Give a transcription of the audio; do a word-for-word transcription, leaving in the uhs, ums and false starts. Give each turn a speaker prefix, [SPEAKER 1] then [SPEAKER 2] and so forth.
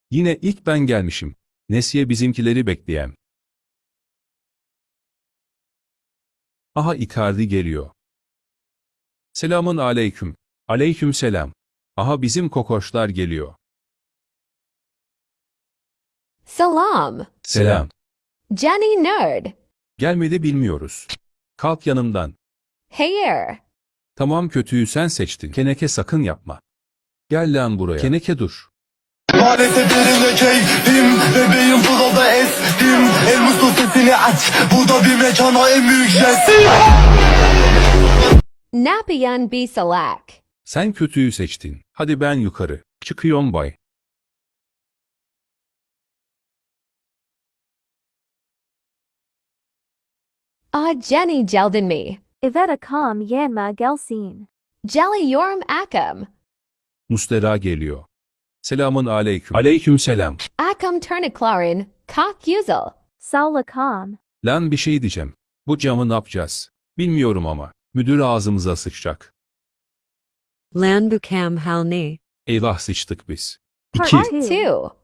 [SPEAKER 1] Yine ilk ben gelmişim. Nesiye bizimkileri bekleyem. Aha Icardi geliyor. Selamun aleyküm. Aleyküm selam. Aha bizim kokoşlar geliyor.
[SPEAKER 2] Salam.
[SPEAKER 1] Selam.
[SPEAKER 2] Jenny Nerd.
[SPEAKER 1] Gelmedi bilmiyoruz. Kalk yanımdan.
[SPEAKER 2] Hayır.
[SPEAKER 1] Tamam kötüyü sen seçtin. Keneke sakın yapma. Gel lan buraya. Keneke dur.
[SPEAKER 3] Maalesef yerinde keyfim. Bebeğim burada estim. El muslu sesini aç. Bu da bir mekana en büyük jest.
[SPEAKER 2] Napian B Salak.
[SPEAKER 1] Sen kötüyü seçtin. Hadi ben yukarı. Çıkıyorum bay.
[SPEAKER 2] Ah Jenny Jeldin me.
[SPEAKER 4] Iveta com yanma gelsin.
[SPEAKER 2] Jelly yorum akam.
[SPEAKER 1] Mustera geliyor. Selamun aleyküm. Aleyküm selam.
[SPEAKER 2] Akam turniklarin. Kak yuzel.
[SPEAKER 4] Saula com.
[SPEAKER 1] Lan bir şey diyeceğim. Bu camı ne yapacağız? Bilmiyorum ama. Müdür ağzımıza sıçacak.
[SPEAKER 5] Lan bukam halni.
[SPEAKER 1] Eyvah sıçtık biz.
[SPEAKER 4] Part
[SPEAKER 1] İki.
[SPEAKER 4] two.
[SPEAKER 2] Two.